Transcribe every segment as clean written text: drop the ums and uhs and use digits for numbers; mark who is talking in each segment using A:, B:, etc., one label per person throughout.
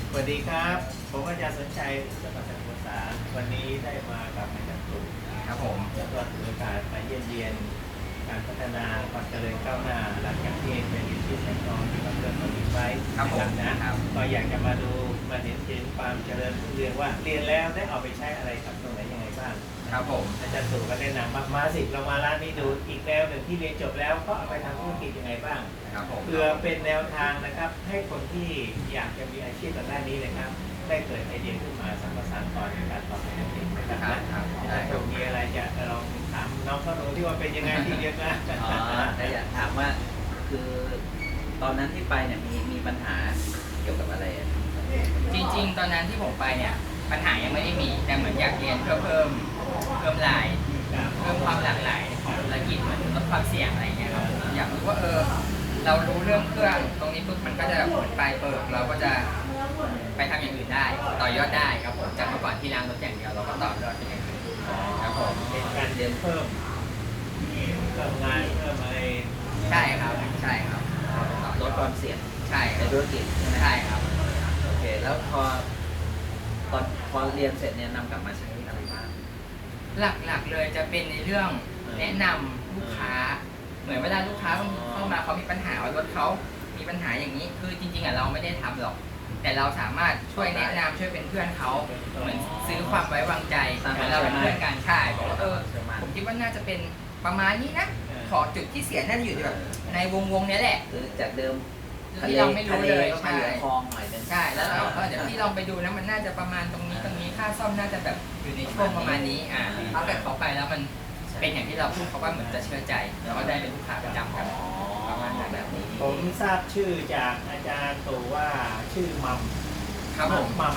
A: สวัสดีครับ ผมอาจารย์สนชัยจังหวัดสมุทรสาครวันนี้ได้มากับอาจารย์ตู่
B: ครับผม
A: แล้วก็ถือโอกาสมาเยี่ยมเยียนการพัฒนาความเจริญก้าวหน้าหลังจากที่เป็นดิจิทัลทองที่เราเริ่มมาดีไว้นะครับก็อยากจะมาดูมาเห็นความเจริญรุ่งเรืองว่าเรียนแล้วได้เอาไปใช้อะไรกับตรงไหนยังไงบ้าง
B: ครับผม
A: อาจารย์ตู่ก็แนะนำมาสิเรามาร้านนี้ดูอีกแนวหนึ่งที่เรียนจบแล้วก็เอาไปทำธุรกิจยังไงบ้าง
B: ครับผม
A: เพื่อเป็นแนวทางนะครับให้คนที่อยากจะมีอาชีพทางด้านนี้นะครับได้เกิดไอเดียขึ้นมาสร้างสรรค์ต่อในการต่อไปนั่นเองนะครับอาจารย์มีอะไรจะลองถามน้องเขาดูที่ว่าเป็นยังไงที่เรียนมา
C: แต่อยากถามว่าคือตอนนั้นที่ไปเนี่ยมีปัญหาเกี่ยวกับอะไร
B: จริงๆตอนนั้นที่ผมไปเนี่ยปัญหายังไม่ได้มีแต่เหมือนอยากเรียนเพื่อเพิ่มรายเพิ่มความหลากหลายของธุรกิจเหมือนลดความเสี่ยงอะไรเงี้ยครับอยากรู้ว่าเรารู้เรื่องเครื่องตรงนี้ปุ๊บมันก็จะเหมือนปลายเปิดเราก็จะไปทำอย่างอื่นได้ต่อยอดได้ครับผมจากเมื่อก่อนที่ล้างรถอย่างเดียวเราก็ต่อยอดเป็นอย่างอื่นครับผม
A: เป็นการเรียนเพิ่มงานเพิ่มอะไร
B: ใช่ครับ
C: ลดความเสี่ยง
B: ใช่
C: ในธุรกิจ
B: ใช่ครับ
C: โอเคแล้วพอเรียนเสร็จเนี่ยนำกลับมาใช้อะไรบ้าง
B: หลักๆเลยจะเป็นในเรื่องแนะนำลูกค้าเหมือนเวลาลูกค้าเข้ามาเขามีปัญหาว่ารถเขามีปัญหาอย่างนี้คือจริงๆเราไม่ได้ทำหรอกแต่เราสามารถช่วยแนะนำช่วยเป็นเพื่อนเขาเหมือนซื้อความไว้วางใจเหมือนเราเป็นเพื่อนกันใช่บอกว่าผมคิดว่าน่าจะเป็นประมาณนี้นะขอจุดที่เสียน่าจะอยู่แบบในวงนี้แหละ
C: คือจากเดิม
B: ที่เราไม่รู้เลย
C: ใช่คลองหน่อย
B: ใช่แล้วเดี๋ยวที่ลองไปดูนะมันน่าจะประมาณตรงนี้ค่าซ่อมน่าจะแบบอยู่ในช่วงประมาณนี้ถ้าเกิดเขาไปแล้วมันเป็นอย่างที่เราพูดเขาว่าเหมือนจะเชื่อใจแล้วก็ได้เป็นลูกค้าประจำกันประมาณแบบนี้
A: ผมทราบชื่อจากอาจารย์ตู่ว่าชื่อมัม
B: ครับผม
A: มัม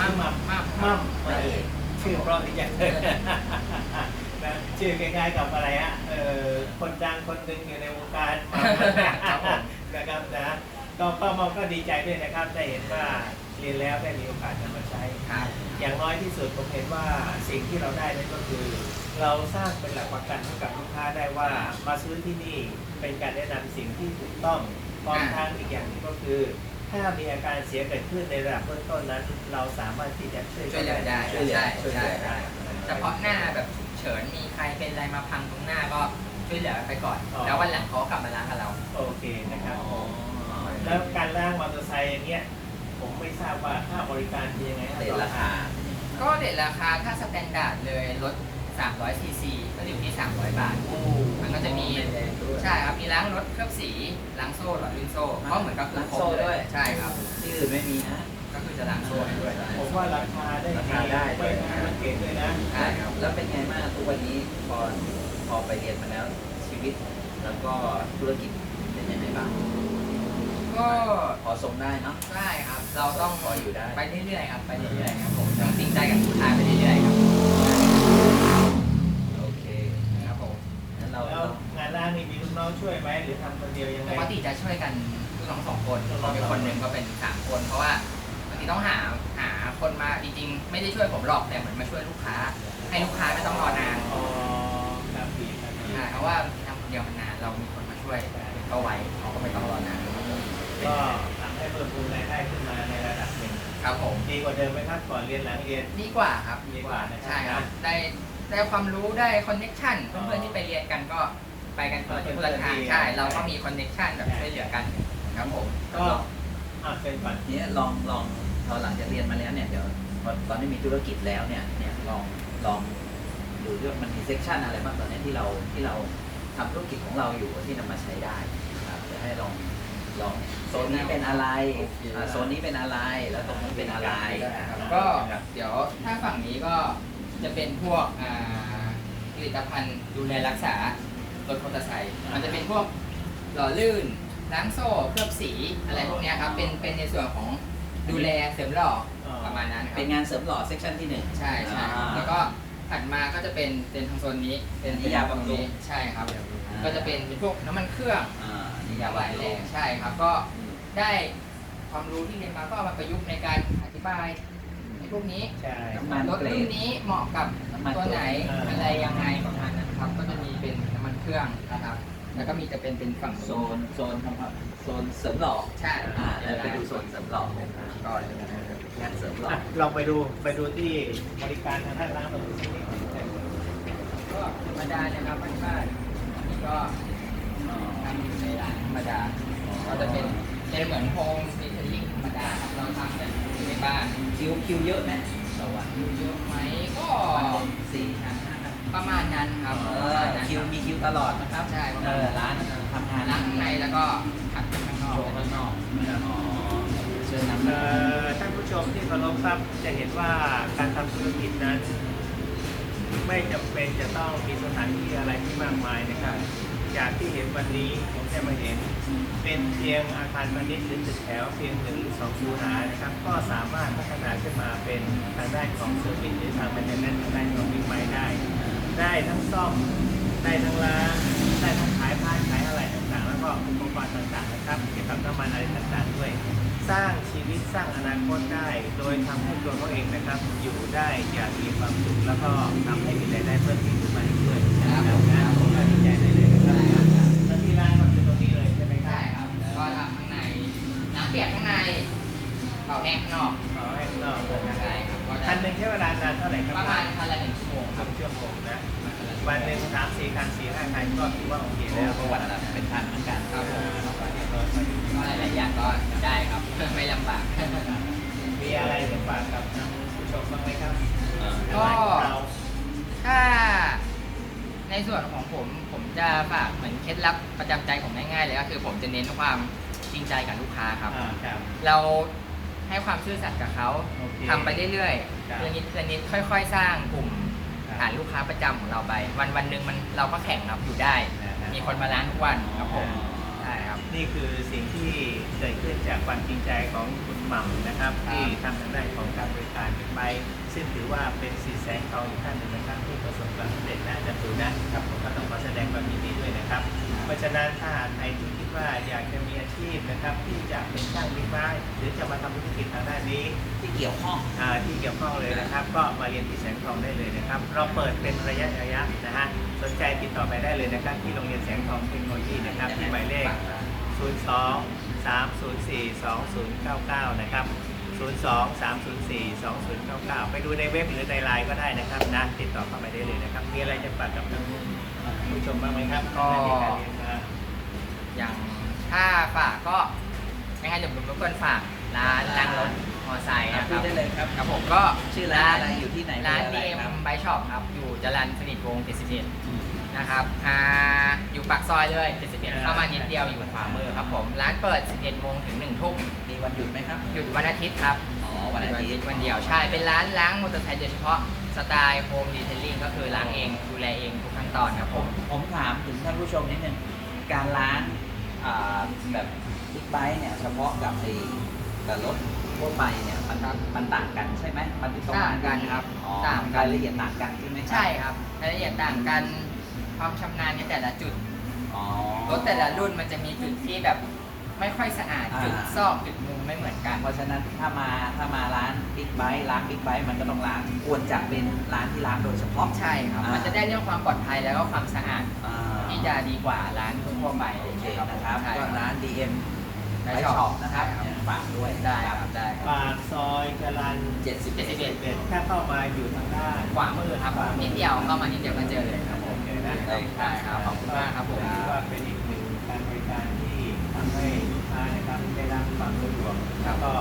A: ชื่อเพราะที่จะชื่อคล้ายๆกับอะไรฮะคนดังคนหนึ่งอยู่ในวงการนะครับนะก็มองก็ดีใจด้วยนะครับได้เห็นว่าเรียนแล้วได้มีโอกาสนำมาใช้อย่างน้อยที่สุดผมเห็นว่าสิ่งที่เราได้นั่นก็คือเราสร้างเป็นหลักประกันให้กับลูกค้าได้ว่ามาซื้อที่นี่เป็นการแนะนำสิ่งที่ถูกต้องพร้อมทั้งอีกอย่างนึงก็คือถ้ามีอาการเสียเกิดขึ้นในระดับเบื้องต้นนั้นเราสามารถที่จะช่วย
B: เหลือได้
A: ได้
B: เฉพาะหน้าแบบฉุกเฉินมีใครเป็นอะไรมาพังตรงหน้าก็ช่วยเหลือไปก่อนแล้ววันหลังเขากลับมาล้างกับเรา
A: โอเคนะครับแล้วการล้างมอเตอร์ไซค์อย่างเงี้ยผมไม่ทราบว่าค่าบริการเป็นยังไง
C: เรทราคา
B: ก็เรทราคาถ้าสแตนดาร์ดเลยรถ300 ซีซีก็อยู่ที่300 บาทมันก็จะมีใช่ครับมีล้างรถเคลือบสีล้างโซ่หลอดลื่นโซ่ก็เหมือนกับ
C: ล้างโซ่ด้วย
B: ใช่ครับ
C: ที่อื่นไม่มีนะ
B: ก็คือจะล้างโซ่ให้ด้วย
A: ผมว่าราคาได้ไม่สังเกตด้วยนะ
C: ใช่ครับแล้วเป็นไงบ้างทุกวันนี้พอไปเรียนมาแล้วชีวิตแล้วก็ธุรกิจเป็นยังไงบ้าง
B: ก็
C: พอส่งได้เนาะ
B: ได้ครับเราต้อง
C: พออยู่ได้
B: ไปเรื่อยๆครับไปเรื่อยๆครับผมต้องจริงใจกับลูกค้าไปเรื่อยๆครับ
C: โอเค
B: ครับผม
A: แล้วงานร้านนี้มีลูกน้องช่วยไหมหรือทำคนเดียวยังไง
B: ปกติจะช่วยกันลูกน้อง2 คนเป็นคนหนึ่งก็เป็น3 คนเพราะว่าบางทีต้องหาคนมาจริงๆไม่ได้ช่วยผมหรอกแต่เหมือนมาช่วยลูกค้าให้ลูกค้าไม่ต้องรอนานเพราะว่าทำคนเดียวมันนานเรามีคนมาช่วยก็ไว้เขาก็ไม่ต้องรอนาน
A: ก็ทำให้เพิ่มพูนรายได้ขึ้นมาในระดับหนึ่ง
B: ครับผม
A: ดีกว่าเดิมไหมครับก่อนเรียนหลังเรียน
B: ดีกว่าครับ
A: ดีกว่า
B: ใช่ครับได้ความรู้ได้คอนเน็กชันเพื่อนๆที่ไปเรียนกันก็ไปกันคนละทางใช่เราก็มีคอนเน็กชันแบบช่วยเหลือกันครับผม
A: ก็เป็นปัจจัย
C: นี้ลองพอหลังจากเรียนมาแล้วเนี่ยเดี๋ยวตอนนี้มีธุรกิจแล้วเนี่ยลองดูด้วยมันมีเซกชันอะไรบ้างตอนนี้ที่เราทำธุรกิจของเราอยู่ที่นำมาใช้ได้ครับจะให้ลองโซนนี้เป็นอะไรโซนนี้เป็นอะไรแล้วตรงนี้เป็นอะไร
B: ก็เดี๋ยวถ้าฝั่งนี้ก็จะเป็นพวกผลิตภัณฑ์ดูแลรักษารถมอเตอร์ไซค์มันจะเป็นพวกหล่อลื่นล้างโซ่เคลือบสีอะไรพวกนี้ครับเป็นในส่วนของดูแลเสริมหล่อประมาณนั้น
C: เป็นงานเสริมหล่อเซกชันที่1
B: ใช่แล้วก็ถัดมาก็จะเป็นทางโซนนี้เป็น
C: ยาบำรุง
B: ใช่ครับก็จะเป็นพวกน้ำมันเครื่องยาไหลแรงใช่ครับก็ได้ความรู้ที่เรียนมาก็เอามาประยุกต์ในการอธิบายในพวกนี้รถรุ่นนี้เหมาะกับตัวไหนอะไรยังไงประมาณนั้นครับก็จะมีเป็นน้ำมันเครื่องนะครับแล้วก็มีจะเป็นฝั่ง
C: โซนทำโซนเสริมหล่อ
B: ใช่
C: แล้วไปดูโซนเสริมหล่อ
B: ก็
C: งานเสริมหล่อ
A: ลองไปดูที่บริการทางด้านล่างตรงนี้
B: ก็ธรรมดาเลยครับบ้านๆอันนี้ก็ทำอยู่ในร้านธรรมดาก็จะเป็นเหมือนโฮมสเตย์ลิ่งธรรมดาครับเราทำกันอยู่ในบ้าน
C: คิวเยอะไหมต่อวัน
B: อยู่เยอะไหมก็
C: วันหนึ่ง4 ครั้ง5 ครั้ง
B: ประมาณนั้นครับประมาณนั้น
C: มีคิวตลอดนะครับ
B: ใช่ประมาณนั้น
C: ร้านทำงาน
B: ล้างข้างในแล้วก็ขัดข้างนอก
C: โชว์ข้างนอกอ๋อเชิญนำ
A: ท่านผู้ชมที่เคารพครับจะเห็นว่าการทำธุรกิจนั้น ไม่จำเป็นจะต้องมีสถานที่อะไรที่มากมายนะครับจากที่เห็นวันนี้ผมจะมาเห็นเป็นเพียงอาคารพาณิชย์หรือตึกแถวเพียง1 หรือ 2 คูหานะครับก็สามารถพัฒนาขึ้นมาเป็นทางด้านของเซอร์วิสหรือทางแมนเทนแนนซ์ทางด้านของบิ๊กไบค์ได้ทั้งซ่อมได้ทั้งล้างได้ทั้งขายผ้าขายอะไรต่างๆ แล้วก็อุปกรณ์ต่างๆนะครับเกี่ยวกับน้ำมันอะไรต่างๆด้วย สร้างชีวิตสร้างอนาคตได้ โดยทำให้ตัวเขาเองนะครับ อยู่ได้อย่างมีความสุขแล้วก็ทำให้มีรายได้เพิ่มขึ้นมาอีกด้วยนะครับผมก็ดีใจได้เลยนะครับแล้วที่ร้านก็คือตรงนี้เลยใช่ไหมครั
B: ใช่
A: บ
B: ครับก็ทำข้างในน้ำเปียกข้างในเป่าแห้งข้างนอก
A: ขอให้นอกเลยนะ
B: ใช่ครับก็
A: คันหนึ่งใช้เวลานานเท่าไหร่ครับ
B: ประมาณคันละ1 ชั่วโมงค
A: ส
B: รั
A: อบ งชั่วโมงนะวันหนึ่ง3-4 คัน4-5 คันก็ถือว่าโอเค
C: แล้
A: แล้ว ว
C: ประวัติเป็นพันเหมือนกัน
B: ครับผม
A: ก็เรียบร้อยพอดี
B: ก็หลายๆอย่างก็ได้ครับไม่ลำบาก
A: มีอะไรจะฝากกับท่านผู้ชมบ้างไหมครับ
B: ก็
A: ร้านของเรา
B: ถ้าในส่วนของผมจะฝากเหมือนเคล็ดลับประจำใจผมง่ายๆเลยก็คือผมจะเน้นความจริงใจกับลูกค้าครับ
A: ครับ
B: เราให้ความซื่อสัตย์กับเขา
A: โอเค
B: ทำไปเรื่อย
A: ครับ
B: ๆเรื่องนิดเรื่องนิดค่อยๆ สร้างกลุ่ม
A: ครับ
B: ฐานลูกค้าประจำของเราไป วันหนึ่งเราก็แข่งครับอยู่ได้ มีคนมาร้านทุกวันครับผมใช่ครับ
A: นี่คือสิ่งที่เกิดขึ้นจากความจริงใจของคุณหม่ำนะครับ
B: ครับ
A: ที่ทำทางด้านของการบริการบิ๊กไบค์ซึ่งถือว่าเป็นสีแสงทองอีกท่านหนึ่งนะครับที่ประสบความสำเร็จนะอาจารย์ตูนะครับผมก็ต้องขอแสดงความยินดีด้วยนะครับ เพราะฉะนั้นถ้าหากใครที่คิดว่าอยากจะมีอาชีพนะครับ ที่จะเป็นช่างบิ๊กไบค์หรือจะมาทำธุรกิจทางด้านนี้
C: ที่เกี่ยวข้อง
A: ที่เกี่ยวข้องเลยนะครับ ก็มาเรียนที่แสงทองได้เลยนะครับ เราเปิดเป็นระยะนะฮะสนใจติดต่อไปได้เลยนะครับ ที่โรงเรียนแสงทองเทคโนโลยีนะครับที่หมายเลข 02-304-2099 นะครับ 02-304-2099 ไปดูในเว็บหรือในไลน์ก็ได้นะครับนะติดต่อเข้าไปได้เลยนะครับ มีอะไรจะฝากกับท่านผู้ชมบ้างไหมครับ
B: ก็
A: ในการเรียนมา
B: อย่างถ้าฝากก็ยังไงเดี๋ยวผมรบกวนฝากร้านล้างรถมอไซค์นะค
C: พู
B: รั
C: ด
B: บ
C: ได้เลยครับ
B: ครับผมก็
C: ชื่อร้านอะไรอยู่ที่ไหน
B: ร้าน
C: เบอร์อะไร
B: DM
C: ครับ
B: By Shop ครับ อยู่จรัญสนิทวงศ์71นะครับอยู่ปากซอยเลย71เข้ามานิดเดียวอยู่ขวามือครับผม ร้านเปิด 11 โมงถึง 1 ทุ่ม
C: มีวันหยุดไหมครับ
B: หยุดวันอาทิตย์ครับ
C: อ๋อ วันอาทิตย์
B: วันเดียวใช่ เป็นร้านล้างมอเตอร์ไซค์โดยเฉพาะสไตล์โฮมดีเทลลิ่งก็คือล้างเองดูแลเองทุกขั้นตอนครับผม
C: ผมถามถึงท่านผู้ชมนิดนึง การล้างแบบบิ๊กไบค์เนี่ยเฉพาะกับกับรถทั่วไปเนี่ยมันต่างกันใช่ไหมมันต้อง
B: ต่างกันครับ
C: อ๋อ
B: ต่างกัน
C: รายละเอียดต่างกันใช่ไหมครับ
B: ใช่ครับรายละเอียดต่างกันความชำนาญในแต่ละจุด
C: อ๋อ
B: รถแต่ละรุ่นมันจะมีจุดที่แบบไม่ค่อยสะอาด
C: อ่า
B: จุดซอกจุดมุมไม่เหมือนกัน
C: เพราะฉะนั้นถ้ามาร้านบิ๊กไบค์ล้างบิ๊กไบค์มันก็ต้องล้างควรจะเป็นร้านที่ล้างโดยเฉพาะ
B: ใช่ครับ
C: อ่ามั
B: มันจะได้เรื่องความปลอดภัยแล้วก็ความสะอาด
C: อ่า
B: ที่จะดีกว่าร้านทั่วๆไป
C: โอเคนะครับ
B: ใช่
C: ก็ร้าน DM
B: ไป
C: ไป
B: ช็
C: ช็
B: อ
C: อ
B: ป
C: ปนะครับ
B: ใช่ครับ
C: ฝากด้วย
B: ได้ครับได้ครับ
A: ปากซอยจรัญ
C: 71
A: ถ้าเข้ามาอยู่ทางด้าน
B: ขวามือครับ
A: ขวามือ
B: นิดเดียวเข้ามานิดเดียวก็เจอเลยครับผม
A: โอเคนะ
B: ได้ครับขอบคุณมากครับผม
A: ถือว่าเป็นอีกหนึ่งการบริการที่ทำให้ลูกค้านะครับได้รับความสะดวกแล้วก็